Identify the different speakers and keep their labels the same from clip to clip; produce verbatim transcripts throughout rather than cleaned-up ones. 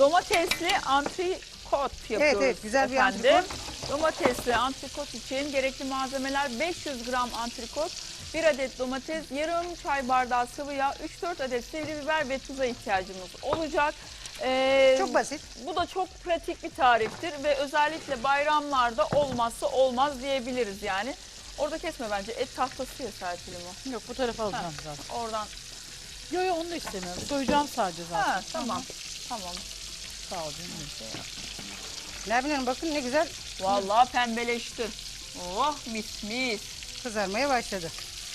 Speaker 1: Domatesli antrikot yapıyoruz.
Speaker 2: Evet, evet, güzel bir
Speaker 1: efendim.
Speaker 2: antrikot.
Speaker 1: Domatesli antrikot için gerekli malzemeler beş yüz gram antrikot, bir adet domates, yarım çay bardağı sıvı yağ, üç dört adet sivri biber ve tuza ihtiyacımız olacak. Ee,
Speaker 2: Çok basit.
Speaker 1: Bu da çok pratik bir tariftir ve özellikle bayramlarda olmazsa olmaz diyebiliriz yani. Orada kesme bence, et tahtası ya Serpil'im o.
Speaker 3: Yok, bu tarafa alacağım zaten.
Speaker 1: Oradan.
Speaker 3: Yok yok, onu da istemiyorum. Soyacağım sadece zaten.
Speaker 1: Ha, tamam. Tamam.
Speaker 3: Sağ ol canım.
Speaker 2: Nermin Hanım bakın ne güzel
Speaker 1: Vallahi pembeleşti. Oh, mis mis.
Speaker 2: kızarmaya başladı.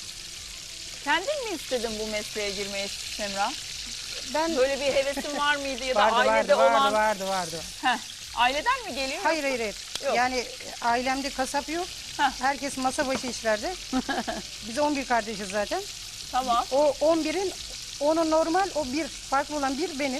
Speaker 1: Kendin mi istedin bu mesleğe girmeyi Semra?
Speaker 2: Ben
Speaker 1: Böyle bir hevesin var mıydı ya da
Speaker 2: vardı,
Speaker 1: ailede
Speaker 2: vardı,
Speaker 1: olan?
Speaker 2: vardı, vardı, vardı.
Speaker 1: Heh, aileden mi geliyor?
Speaker 2: Hayır, hayır, hayır.
Speaker 1: Yok.
Speaker 2: Yani ailemde kasap yok.
Speaker 1: Heh.
Speaker 2: Herkes masa başı işlerde. Biz on bir kardeşiz zaten.
Speaker 1: Tamam.
Speaker 2: O on birin, onu normal, o bir farklı olan bir benim.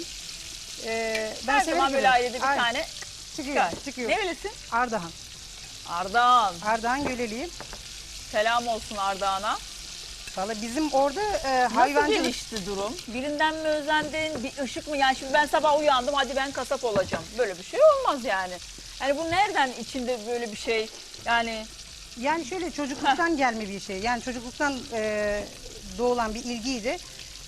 Speaker 2: Ee, ben
Speaker 1: Her
Speaker 2: severim
Speaker 1: zaman böyle
Speaker 2: böyle.
Speaker 1: ailede bir
Speaker 2: Aynen.
Speaker 1: tane
Speaker 2: çıkıyor,
Speaker 1: çıkar.
Speaker 2: çıkıyor.
Speaker 1: Nerelisin?
Speaker 2: Ardahan.
Speaker 1: Ardahan.
Speaker 2: Ardahan Göleliyim.
Speaker 1: Selam olsun Ardahan'a.
Speaker 2: Valla bizim orada e,
Speaker 1: Nasıl
Speaker 2: hayvancılık...
Speaker 1: gelişti durum? Birinden mi özendin? Bir ışık mı? Yani şimdi ben sabah uyandım, hadi ben kasap olacağım. Böyle bir şey olmaz yani. Yani bu nereden içinde böyle bir şey? Yani
Speaker 2: Yani şöyle çocukluktan gelme bir şey. Yani çocukluktan e, doğulan bir ilgiydi.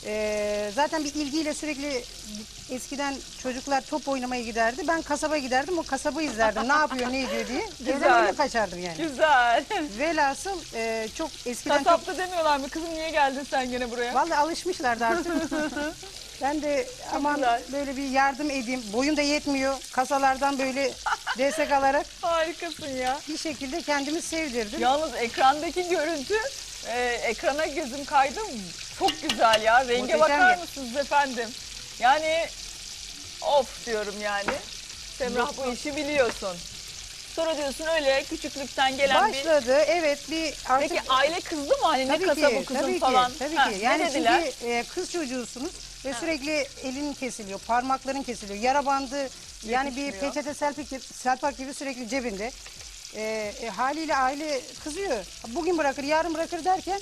Speaker 2: E, zaten bir ilgiyle sürekli eskiden çocuklar top oynamaya giderdi. Ben kasaba giderdim, o kasabı izlerdim. Ne yapıyor, ne ediyor diye.
Speaker 1: Güzel.
Speaker 2: Evden öyle kaçardım yani.
Speaker 1: güzel.
Speaker 2: Velhasıl e, çok eskiden çok...
Speaker 1: Kasapta demiyorlar mı? Kızım niye geldin sen gene buraya?
Speaker 2: Vallahi alışmışlardı artık. Ben de aman
Speaker 1: güzel.
Speaker 2: böyle bir yardım edeyim. Boyum da yetmiyor. Kasalardan böyle destek alarak
Speaker 1: Harikasın ya.
Speaker 2: bir şekilde kendimi sevdirdim.
Speaker 1: Yalnız ekrandaki görüntü, e, ekrana gözüm kaydı. Çok güzel ya. Renge
Speaker 2: Muhteşem
Speaker 1: bakar
Speaker 2: ya.
Speaker 1: mısınız efendim? Yani of diyorum yani. Semrah bu işi biliyorsun. Sonra diyorsun öyle küçüklükten gelen bir...
Speaker 2: Başladı, evet bir artık...
Speaker 1: Peki aile kızdı mı? Hani ne
Speaker 2: Tabii
Speaker 1: kasabı
Speaker 2: ki,
Speaker 1: kızım
Speaker 2: tabii
Speaker 1: falan?
Speaker 2: ki, tabii
Speaker 1: Ha,
Speaker 2: ki.
Speaker 1: ne
Speaker 2: Yani
Speaker 1: dediler?
Speaker 2: çünkü e, kız çocuğusunuz ve sürekli elin kesiliyor, parmakların kesiliyor, yara bandı, yani bir
Speaker 1: Yetişmiyor.
Speaker 2: peçete selpak, selpak gibi sürekli cebinde. E, e, haliyle aile kızıyor. Bugün bırakır, yarın bırakır derken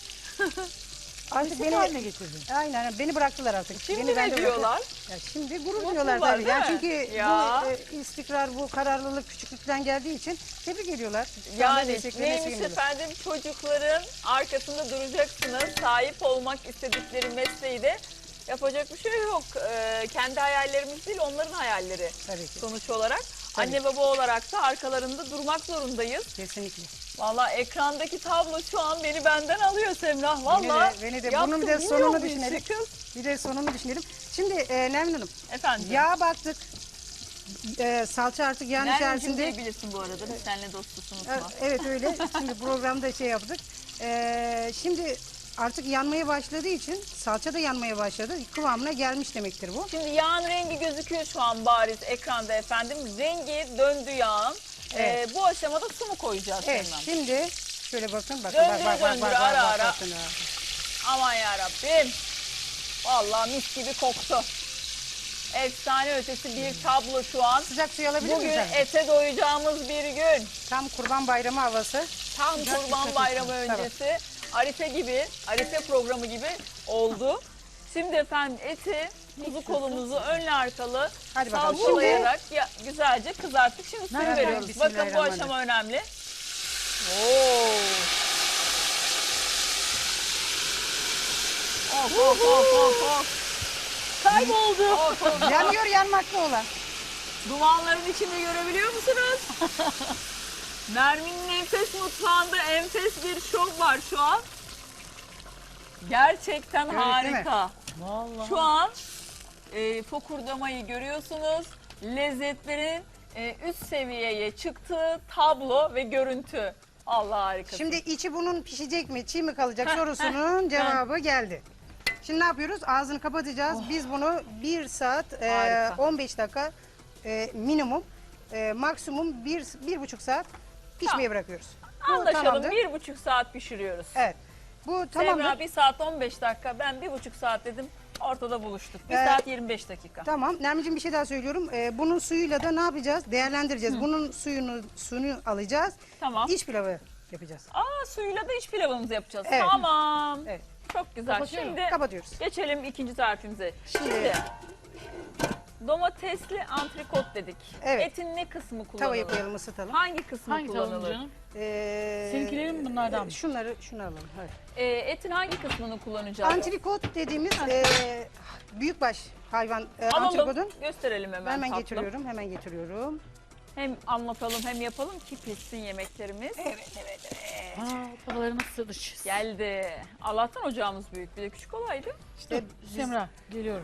Speaker 2: artık
Speaker 3: Meslek
Speaker 2: beni
Speaker 3: haline getirdin.
Speaker 2: Aynen, beni bıraktılar artık.
Speaker 1: Şimdi
Speaker 2: beni
Speaker 1: ne
Speaker 2: bende
Speaker 1: diyorlar?
Speaker 2: bıraktılar. Ya şimdi gurur
Speaker 1: Mutlular,
Speaker 2: duyuyorlar tabii.
Speaker 1: değil
Speaker 2: Yani
Speaker 1: mi?
Speaker 2: çünkü
Speaker 1: Ya.
Speaker 2: bu e, istikrar, bu kararlılık küçüklükten geldiği için tebrik ediyorlar. Şu anda
Speaker 1: Yani
Speaker 2: desteklemesi
Speaker 1: neymiş
Speaker 2: geliyorlar.
Speaker 1: efendim, çocukların arkasında duracaksınız. Sahip olmak istedikleri mesleği de yapacak bir şey yok. Ee, kendi hayallerimiz değil, onların hayalleri
Speaker 2: Tabii ki.
Speaker 1: sonuç olarak.
Speaker 2: Tabii.
Speaker 1: Anne baba olarak da arkalarında durmak zorundayız.
Speaker 2: Kesinlikle.
Speaker 1: Vallahi ekrandaki tablo şu an beni benden alıyor Semrah. Vallahi
Speaker 2: Beni de, beni de.
Speaker 1: yaptım,
Speaker 2: Bunun bir de
Speaker 1: bilmiyor
Speaker 2: sonunu
Speaker 1: bu işi
Speaker 2: düşünelim.
Speaker 1: kız.
Speaker 2: Bir de sonunu düşünelim. Şimdi e, Nermin Hanım,
Speaker 1: Efendim.
Speaker 2: yağa baktık. E, salça artık yağın
Speaker 1: Nermin'cim
Speaker 2: içerisinde.
Speaker 1: diyebilirsin bu arada. Biz seninle dostuz, unutma.
Speaker 2: E, Evet öyle. Şimdi programda şey yaptık. E, şimdi artık yanmaya başladığı için salça da yanmaya başladı. Kıvamına gelmiş demektir bu.
Speaker 1: Şimdi yağın rengi gözüküyor şu an bariz ekranda efendim. Rengi döndü yağın.
Speaker 2: Evet.
Speaker 1: Ee, bu aşamada su mu koyacağız
Speaker 2: Evet
Speaker 1: Semrah?
Speaker 2: şimdi şöyle bakın. bakın
Speaker 1: Döndüre
Speaker 2: bak, bak, bak,
Speaker 1: döndüre,
Speaker 2: bak,
Speaker 1: ara
Speaker 2: bak,
Speaker 1: ara.
Speaker 2: bakın ha.
Speaker 1: Aman yarabbim. Vallahi mis gibi koktu. Efsane ötesi bir tablo şu an.
Speaker 2: Sıcak suyu alabilir
Speaker 1: Bugün
Speaker 2: miyim sen?
Speaker 1: ete doyacağımız bir gün.
Speaker 2: Tam Kurban Bayramı havası.
Speaker 1: Tam
Speaker 2: Sıcak
Speaker 1: Kurban
Speaker 2: sıcak
Speaker 1: Bayramı
Speaker 2: olsun.
Speaker 1: öncesi. Arife gibi, Arife programı gibi oldu. Şimdi efendim eti, kuzu kolumuzu önlü arkalı
Speaker 2: Hadi bakalım.
Speaker 1: salçalayarak ya, güzelce kızarttık. Şimdi suyu
Speaker 2: Nereden?
Speaker 1: veriyoruz. Bakın bu
Speaker 2: Bismillahirrahmanirrahim.
Speaker 1: aşama önemli. Oo. Of of of of of. Kayboldu. Of, of.
Speaker 2: Yanıyor yanmakta olan.
Speaker 1: Dumanların içinde görebiliyor musunuz? Nermin'in enfes mutfağında enfes bir şov var şu an. Gerçekten
Speaker 2: Evet, değil mi?
Speaker 1: harika.
Speaker 3: Vallahi.
Speaker 1: Şu an e, fokurdamayı görüyorsunuz. Lezzetlerin e, üst seviyeye çıktığı tablo ve görüntü. Allah harika.
Speaker 2: Şimdi içi bunun pişecek mi, çiğ mi kalacak sorusunun cevabı geldi. Şimdi ne yapıyoruz? Ağzını kapatacağız. Biz bunu bir saat e,
Speaker 1: Harika.
Speaker 2: on beş dakika e, minimum, e, maksimum bir, bir buçuk saat pişmeye
Speaker 1: Tamam.
Speaker 2: bırakıyoruz. Bu
Speaker 1: Anlaşalım,
Speaker 2: tamamdır.
Speaker 1: bir buçuk saat pişiriyoruz.
Speaker 2: Evet. Bu tamamdır.
Speaker 1: Semra bir saat on beş dakika, ben bir buçuk saat dedim. Ortada buluştuk. Bir
Speaker 2: Ee,
Speaker 1: saat yirmi beş dakika.
Speaker 2: Tamam. Nermin'ciğim bir şey daha söylüyorum. E, bunun suyuyla da ne yapacağız? Değerlendireceğiz. Bunun suyunu suyunu alacağız.
Speaker 1: Tamam.
Speaker 2: İç pilavı yapacağız.
Speaker 1: Aa, suyuyla da iç pilavımızı yapacağız.
Speaker 2: Evet.
Speaker 1: Tamam.
Speaker 2: Evet.
Speaker 1: Çok güzel.
Speaker 3: Kapatıyorum.
Speaker 1: Şimdi
Speaker 2: Kapatıyoruz.
Speaker 1: geçelim ikinci tarifimize.
Speaker 2: Şimdi-
Speaker 1: Şimdi domatesli antrikot dedik.
Speaker 2: Evet.
Speaker 1: Etin ne kısmı kullanılır?
Speaker 2: Tavaya koyalım, ısıtalım.
Speaker 1: Hangi kısmı
Speaker 3: Hangi tavuğun
Speaker 1: kullanılır?
Speaker 3: canım?
Speaker 2: Ee,
Speaker 3: Seninkileri mi bunlardan mı?
Speaker 2: Şunları, şunu alalım. Evet.
Speaker 1: Ee, etin hangi kısmını kullanacağız?
Speaker 2: Antrikot dediğimiz e, büyükbaş hayvan e,
Speaker 1: Alalım,
Speaker 2: antrikodun.
Speaker 1: gösterelim hemen
Speaker 2: Hemen
Speaker 1: tatlım.
Speaker 2: getiriyorum, hemen getiriyorum.
Speaker 1: Hem anlatalım hem yapalım ki pişsin yemeklerimiz.
Speaker 2: Evet, evet, evet.
Speaker 3: Aa, babalarına sığdış.
Speaker 1: Geldi. Allah'tan ocağımız büyük. Bir de küçük olaydı.
Speaker 2: İşte biz-
Speaker 3: Semra geliyorum.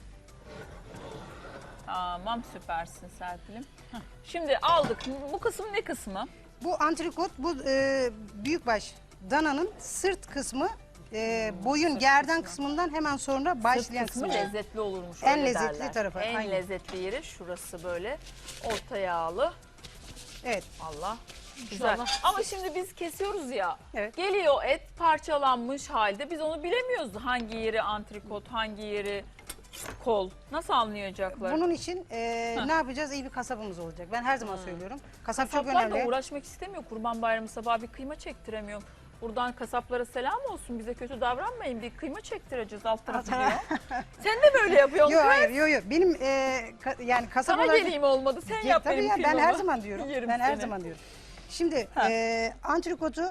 Speaker 1: Tamam, süpersin Serpil'im. Şimdi aldık. Bu kısım ne kısmı?
Speaker 2: bu antrikot, bu e, büyükbaş dananın sırt kısmı, e, boyun
Speaker 1: sırt
Speaker 2: gerdan
Speaker 1: kısmı.
Speaker 2: kısmından hemen sonra başlayan
Speaker 1: Sırt kısmı
Speaker 2: kısmı.
Speaker 1: lezzetli olurmuş.
Speaker 2: En
Speaker 1: öyle
Speaker 2: lezzetli
Speaker 1: derler.
Speaker 2: tarafı,
Speaker 1: En
Speaker 2: aynen.
Speaker 1: lezzetli yeri şurası böyle. Orta yağlı.
Speaker 2: Evet.
Speaker 1: Allah. Güzel.
Speaker 3: İnşallah.
Speaker 1: Ama şimdi biz kesiyoruz ya.
Speaker 2: Evet.
Speaker 1: Geliyor et parçalanmış halde. Biz onu bilemiyoruz. Hangi yeri antrikot, hangi yeri kol. Nasıl anlayacaklar?
Speaker 2: Bunun için e,
Speaker 1: Heh.
Speaker 2: ne yapacağız? İyi bir kasabımız olacak. Ben her zaman söylüyorum. Kasap çok
Speaker 1: Kasaplar da
Speaker 2: önemli.
Speaker 1: uğraşmak istemiyor. Kurban Bayramı sabahı bir kıyma çektiremiyor. Buradan kasaplara selam olsun. Bize kötü davranmayın. Bir kıyma çektireceğiz alt tarafı diyor. Sen de böyle yapıyorsun.
Speaker 2: Yok
Speaker 1: kız.
Speaker 2: hayır, yok yok. Benim e, ka- yani kasap
Speaker 1: Sana
Speaker 2: olarak...
Speaker 1: geleyim olmadı. Sen
Speaker 2: Ya,
Speaker 1: yap
Speaker 2: tabii
Speaker 1: benim
Speaker 2: ya, ben
Speaker 1: kıymamı.
Speaker 2: her zaman diyorum.
Speaker 1: Yerim
Speaker 2: ben her
Speaker 1: seni.
Speaker 2: zaman diyorum. Şimdi
Speaker 1: Ha.
Speaker 2: e, antrikotu,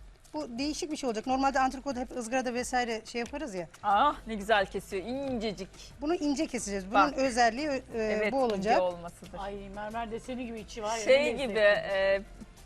Speaker 2: bu değişik bir şey olacak. Normalde antrikotu hep ızgarada vesaire şey yaparız ya.
Speaker 1: Ah ne güzel kesiyor. İncecik.
Speaker 2: Bunu ince keseceğiz. Bunun
Speaker 1: Bak.
Speaker 2: özelliği e,
Speaker 1: Evet
Speaker 2: bu
Speaker 1: ince
Speaker 2: olacak.
Speaker 1: olmasıdır.
Speaker 3: Ay mermer deseni gibi içi var ya.
Speaker 1: Şey
Speaker 3: ne
Speaker 1: gibi
Speaker 3: lezzetli.
Speaker 1: e,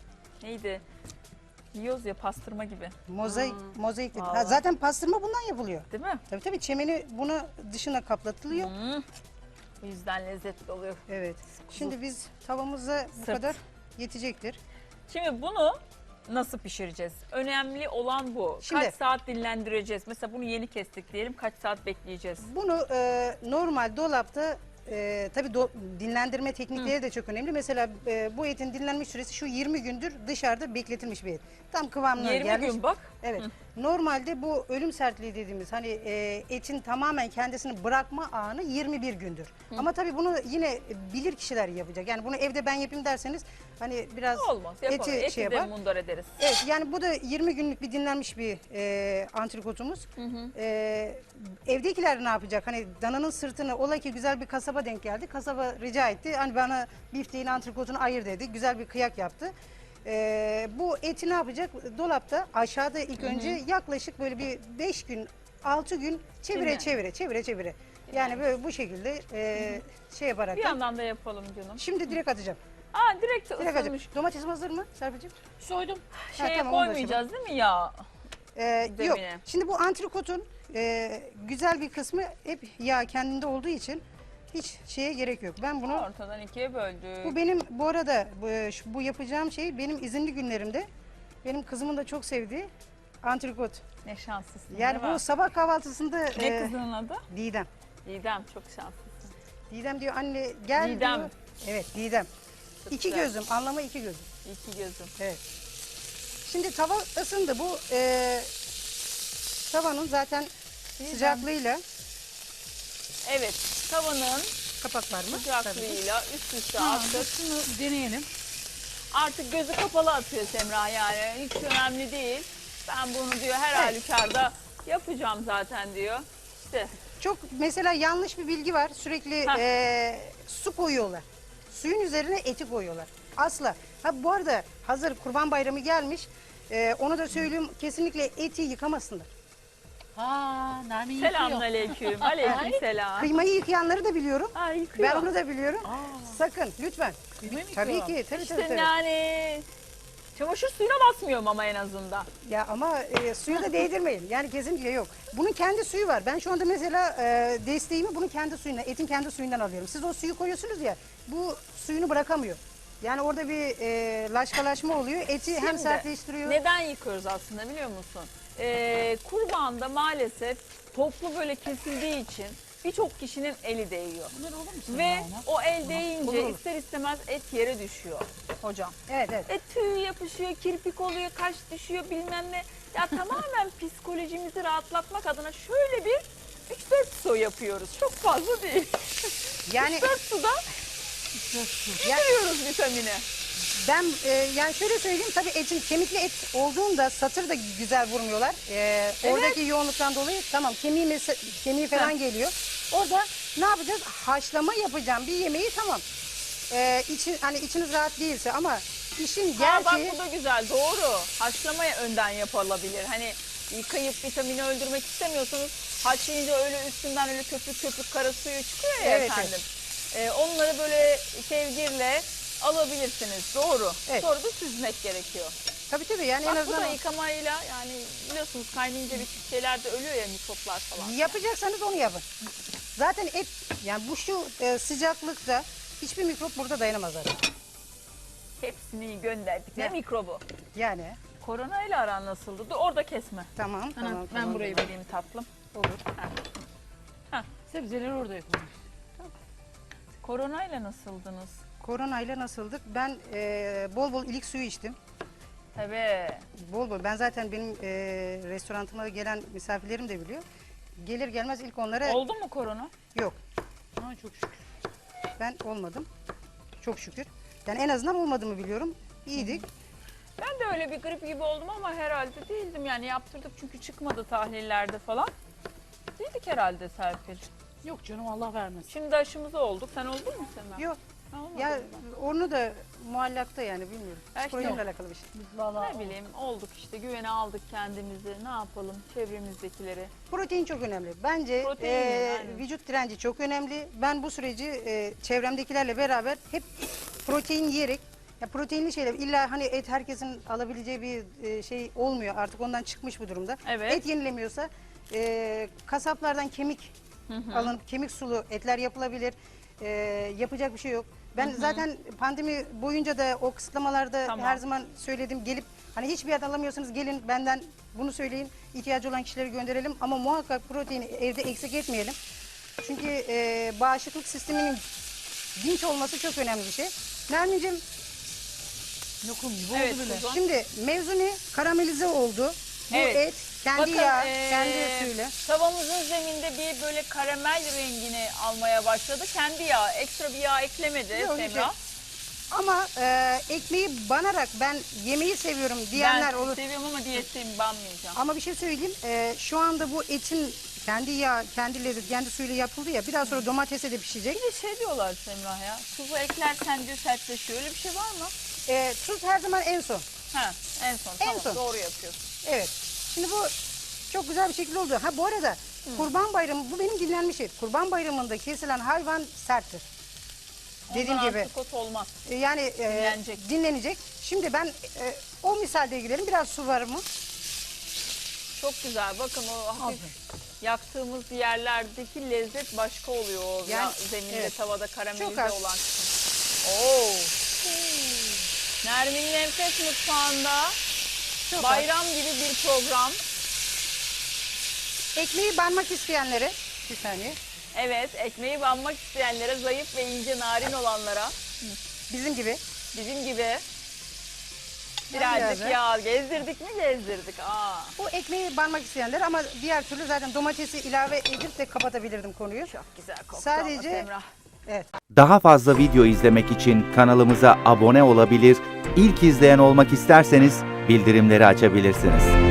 Speaker 1: neydi? Yiyoruz ya pastırma gibi.
Speaker 2: Mozaik,
Speaker 1: Hmm.
Speaker 2: mozaik dedi. Ha,
Speaker 1: Vallahi.
Speaker 2: zaten pastırma bundan yapılıyor.
Speaker 1: Değil mi?
Speaker 2: Tabii tabii, çemeni bunu dışına kaplatılıyor.
Speaker 1: Hmm. O yüzden lezzetli oluyor.
Speaker 2: Evet. Şimdi biz tavamıza bu
Speaker 1: Sırt.
Speaker 2: kadar yetecektir.
Speaker 1: Şimdi bunu nasıl pişireceğiz? Önemli olan bu.
Speaker 2: Şimdi-
Speaker 1: Kaç saat dinlendireceğiz? Mesela bunu yeni kestik diyelim. Kaç saat bekleyeceğiz?
Speaker 2: Bunu e, normal dolapta e, tabii do- dinlendirme teknikleri de çok önemli. Mesela e, bu etin dinlenmiş süresi şu yirmi gündür dışarıda bekletilmiş bir et. Tam kıvamına
Speaker 1: yirmi
Speaker 2: gelmiş.
Speaker 1: gün bak.
Speaker 2: Evet. Normalde bu ölüm sertliği dediğimiz hani e, etin tamamen kendisini bırakma anı yirmi bir gündür. Ama tabii bunu yine bilir kişiler yapacak. Yani bunu evde ben yapayım derseniz hani biraz
Speaker 1: Olmaz. Yapalım.
Speaker 2: eti
Speaker 1: Eti,
Speaker 2: şey
Speaker 1: de
Speaker 2: yapar.
Speaker 1: mundar ederiz.
Speaker 2: Evet, yani bu da yirmi günlük bir dinlenmiş bir e, antrikotumuz. E, evdekiler ne yapacak? Hani dananın sırtını, ola ki güzel bir kasaba denk geldi. Kasaba rica etti. Hani bana bifteğin antrikotunu ayır dedi. Güzel bir kıyak yaptı. E, bu eti ne yapacak? Dolapta aşağıda ilk önce yaklaşık böyle bir beş gün, altı gün çevire
Speaker 1: Dinlen.
Speaker 2: çevire çevire çevire. Yani böyle bu şekilde e, şey yaparak.
Speaker 1: Bir yandan da yapalım canım.
Speaker 2: Şimdi direkt atacağım.
Speaker 1: Aa direkt
Speaker 2: Direkt
Speaker 1: ısınmış.
Speaker 2: atacağım. Domatesim hazır mı Serpil'ciğim?
Speaker 3: Soydum.
Speaker 1: Şeye
Speaker 2: tamam, onu da
Speaker 1: koymayacağız değil mi ya?
Speaker 2: Ee, yok.
Speaker 1: Zemine.
Speaker 2: Şimdi bu antrikotun e, güzel bir kısmı hep yağ kendinde olduğu için hiç şeye gerek yok. Ben bunu,
Speaker 1: Ortadan ikiye böldük.
Speaker 2: bu benim bu arada bu, şu- bu yapacağım şey benim izinli günlerimde benim kızımın da çok sevdiği antrikot.
Speaker 1: Ne şanslısın.
Speaker 2: Yani
Speaker 1: değil
Speaker 2: bu
Speaker 1: mi?
Speaker 2: sabah kahvaltısında
Speaker 1: Ne
Speaker 2: e,
Speaker 1: kızının adı?
Speaker 2: Didem.
Speaker 1: Didem, çok şanslısın.
Speaker 2: Didem diyor anne gel
Speaker 1: Didem.
Speaker 2: diyor. Evet Didem.
Speaker 1: Çok
Speaker 2: İki
Speaker 1: güzel.
Speaker 2: gözüm, anlamı iki gözüm.
Speaker 1: İki gözüm.
Speaker 2: Evet. Şimdi tava ısındı. Bu e, tavanın zaten sıcaklığıyla
Speaker 1: Evet, tavanın
Speaker 2: kapak var mı? Tabii.
Speaker 1: sıcaklığıyla üst üste
Speaker 3: Ha,
Speaker 1: attık.
Speaker 3: şunu deneyelim.
Speaker 1: Artık gözü kapalı atıyor Semra yani. Hiç önemli değil. Ben bunu diyor her
Speaker 2: Evet.
Speaker 1: halükarda yapacağım zaten diyor. İşte
Speaker 2: Çok mesela yanlış bir bilgi var. Sürekli
Speaker 1: Heh.
Speaker 2: e, su koyuyorlar. Suyun üzerine eti koyuyorlar. Asla. Ha bu arada hazır Kurban Bayramı gelmiş. E, onu da söyleyeyim, kesinlikle eti yıkamasınlar.
Speaker 3: Ha, Nermin yıkıyor.
Speaker 1: selamünaleyküm. Aleyküm selam.
Speaker 2: Kıymayı yıkayanları da biliyorum.
Speaker 1: Ha, yıkıyor.
Speaker 2: Ben onu da biliyorum.
Speaker 3: Aa,
Speaker 2: Sakın lütfen.
Speaker 3: kıymayı mı
Speaker 2: Tabii
Speaker 3: yıkıyor?
Speaker 2: ki. Tabii
Speaker 1: İşte
Speaker 2: tabii. tabii.
Speaker 1: yani çamaşır suyuna basmıyorum ama en azından.
Speaker 2: Ya ama e, suyu da değdirmeyin. Yani kesinlikle yok. Bunun kendi suyu var. Ben şu anda mesela e, desteğimi bunun kendi suyundan, etin kendi suyundan alıyorum. Siz o suyu koyuyorsunuz ya, bu suyunu bırakamıyor. Yani orada bir e, laşkalaşma oluyor. Eti hem
Speaker 1: Şimdi,
Speaker 2: sertleştiriyor.
Speaker 1: Neden yıkıyoruz aslında biliyor musun? Ee, kurbanda maalesef toplu böyle kesildiği için birçok kişinin eli değiyor.
Speaker 3: Bunlar olur mu senin
Speaker 1: Ve
Speaker 3: ona?
Speaker 1: o el değince
Speaker 2: Olur, olur.
Speaker 1: ister istemez et yere düşüyor hocam.
Speaker 2: Evet evet.
Speaker 1: E tüy yapışıyor, kirpik oluyor, kaş düşüyor bilmem ne. Ya tamamen psikolojimizi rahatlatmak adına şöyle bir üç dört su yapıyoruz. Çok fazla değil.
Speaker 2: Yani
Speaker 1: üç dört suda
Speaker 2: yani
Speaker 1: veriyoruz vitamini.
Speaker 2: ben e, yani şöyle söyleyeyim, tabii etin kemikli et olduğunda satır da güzel vurmuyorlar. E, Oradaki yoğunluktan dolayı tamam kemiği, mes- kemiği falan
Speaker 1: Ha.
Speaker 2: geliyor. Orada ne yapacağız? Haşlama yapacağım bir yemeği, tamam. Ee, için, hani içiniz rahat değilse ama işin
Speaker 1: Ha, bak
Speaker 2: gerçeği...
Speaker 1: bu da güzel, doğru. Haşlamaya önden yapılabilir. Hani yıkayıp vitamini öldürmek istemiyorsanız haşlayınca öyle üstünden öyle köpük köpük kara suyu çıkıyor ya
Speaker 2: Evet,
Speaker 1: efendim. Ee, onları böyle kevgirle alabilirsiniz. Doğru.
Speaker 2: Evet.
Speaker 1: Sonra da süzmek gerekiyor.
Speaker 2: Tabii tabii, yani en
Speaker 1: Bak bu
Speaker 2: azından...
Speaker 1: da yıkamayla, yani biliyorsunuz kaynayınca bir şeyler de ölüyor ya, mikroplar falan.
Speaker 2: Yapacaksanız onu yapın. Zaten et, yani bu şu e, sıcaklıkta hiçbir mikrop burada dayanamaz zaten.
Speaker 1: Hepsini gönderdik. Ne
Speaker 2: Ya.
Speaker 1: mikrobu?
Speaker 2: Yani
Speaker 1: Korona ile aran nasıldı? Dur orada kesme.
Speaker 2: tamam
Speaker 1: Ana,
Speaker 2: tamam.
Speaker 1: ben
Speaker 2: tamam,
Speaker 1: burayı
Speaker 2: tamam.
Speaker 1: vereyim tatlım.
Speaker 2: Olur.
Speaker 3: Sebzeleri orada yapılmış.
Speaker 1: Korona ile nasıldınız?
Speaker 2: Koronayla nasıldık? Ben e, bol bol ilik suyu içtim.
Speaker 1: Tabii.
Speaker 2: Bol bol. Ben zaten benim e, restorantıma gelen misafirlerim de biliyor. Gelir gelmez ilk onlara
Speaker 1: Oldu mu korona?
Speaker 2: yok.
Speaker 3: Ha, çok şükür.
Speaker 2: Ben olmadım. Çok şükür. Yani en azından olmadığımı biliyorum. İyiydik.
Speaker 1: Ben de öyle bir grip gibi oldum ama herhalde değildim. Yani yaptırdık çünkü çıkmadı tahlillerde falan. Değildik herhalde Serpil.
Speaker 3: Yok canım, Allah vermesin.
Speaker 1: Şimdi aşımızı olduk. Sen oldun mu Sema?
Speaker 2: Yok.
Speaker 1: Ha, olmadın
Speaker 2: Ya
Speaker 1: mı?
Speaker 2: onu da muallakta yani bilmiyorum.
Speaker 1: Ya işte
Speaker 2: Psikolojiyle
Speaker 1: yok.
Speaker 2: alakalı bir şey.
Speaker 3: Biz vallahi
Speaker 1: Ne bileyim olduk işte, güvene aldık kendimizi. Ne yapalım çevremizdekileri.
Speaker 2: Protein çok önemli. Bence
Speaker 1: Protein,
Speaker 2: e,
Speaker 1: aynen.
Speaker 2: vücut direnci çok önemli. Ben bu süreci e, çevremdekilerle beraber hep protein yiyerek, ya proteinli şeyler, illa hani et herkesin alabileceği bir e, şey olmuyor. Artık ondan çıkmış bu durumda.
Speaker 1: Evet.
Speaker 2: Et yenilemiyorsa e, kasaplardan kemik alınıp kemik sulu etler yapılabilir. E, yapacak bir şey yok. Ben zaten pandemi boyunca da o kısıtlamalarda
Speaker 1: Tamam.
Speaker 2: her zaman söyledim, gelip hani hiçbir yerden alamıyorsanız gelin benden bunu söyleyin, ihtiyacı olan kişileri gönderelim ama muhakkak proteini evde eksik etmeyelim. Çünkü e, bağışıklık sisteminin dinç olması çok önemli bir şey. Nermin'cim,
Speaker 3: lokum gibi
Speaker 1: Evet,
Speaker 3: oldu bile.
Speaker 1: Suzan.
Speaker 2: şimdi mevzu ne? Karamelize oldu. Bu
Speaker 1: Evet.
Speaker 2: et kendi
Speaker 1: Bakın,
Speaker 2: yağı,
Speaker 1: eee,
Speaker 2: kendi suyuyla.
Speaker 1: tavamızın zeminde bir böyle karamel rengini almaya başladı. Kendi yağı, ekstra bir yağ eklemedi
Speaker 2: Yok,
Speaker 1: Semra.
Speaker 2: yok. Ama e, ekmeği banarak ben yemeği seviyorum diyenler
Speaker 1: Ben
Speaker 2: olur.
Speaker 1: seviyorum ama diyetteyim, banmayacağım.
Speaker 2: Ama bir şey söyleyeyim. e, şu anda bu etin kendi yağ, kendi lezzet, kendi suyuyla yapıldı ya. Biraz sonra domatese de pişecek.
Speaker 1: Bir de şey diyorlar Semra ya, tuzu eklersen diyor sertleşiyor. Öyle bir şey var mı?
Speaker 2: E, tuz her zaman en son.
Speaker 1: Ha, en son.
Speaker 2: En
Speaker 1: Tamam,
Speaker 2: son.
Speaker 1: doğru yapıyorsun.
Speaker 2: Evet. Şimdi bu çok güzel bir şekilde oldu. Ha bu arada Kurban Bayramı, bu benim dinlenmiş et. Kurban Bayramı'nda kesilen hayvan serttir. Dediğim
Speaker 1: Ondan
Speaker 2: gibi.
Speaker 1: antrikot olmaz.
Speaker 2: E, Yani e,
Speaker 1: Dinlenecek.
Speaker 2: dinlenecek. Şimdi ben e, o misalde gidelim. Biraz su var mı?
Speaker 1: Çok güzel. Bakın o hafif yaktığımız yerlerdeki lezzet başka oluyor. O
Speaker 2: Yani,
Speaker 1: ya- zeminde,
Speaker 2: evet.
Speaker 1: tavada
Speaker 2: Çok
Speaker 1: karamelize
Speaker 2: az.
Speaker 1: olan kısım. Oo. Nermin'in Enfes Mutfağı'nda
Speaker 2: Çok az.
Speaker 1: bayram gibi bir program.
Speaker 2: Ekmeği banmak isteyenlere, bir saniye,
Speaker 1: Evet, ekmeği banmak isteyenlere, zayıf ve ince narin olanlara,
Speaker 2: bizim gibi.
Speaker 1: bizim gibi
Speaker 2: biraz
Speaker 1: birazcık
Speaker 2: da.
Speaker 1: yağ gezdirdik mi gezdirdik. Aa.
Speaker 2: Bu ekmeği banmak isteyenler, ama diğer türlü zaten domatesi ilave edip de kapatabilirdim konuyu.
Speaker 1: Çok güzel koktu
Speaker 2: Sadece-
Speaker 1: ama Semra.
Speaker 2: Evet.
Speaker 4: Daha fazla video izlemek için kanalımıza abone olabilir, ilk izleyen olmak isterseniz bildirimleri açabilirsiniz.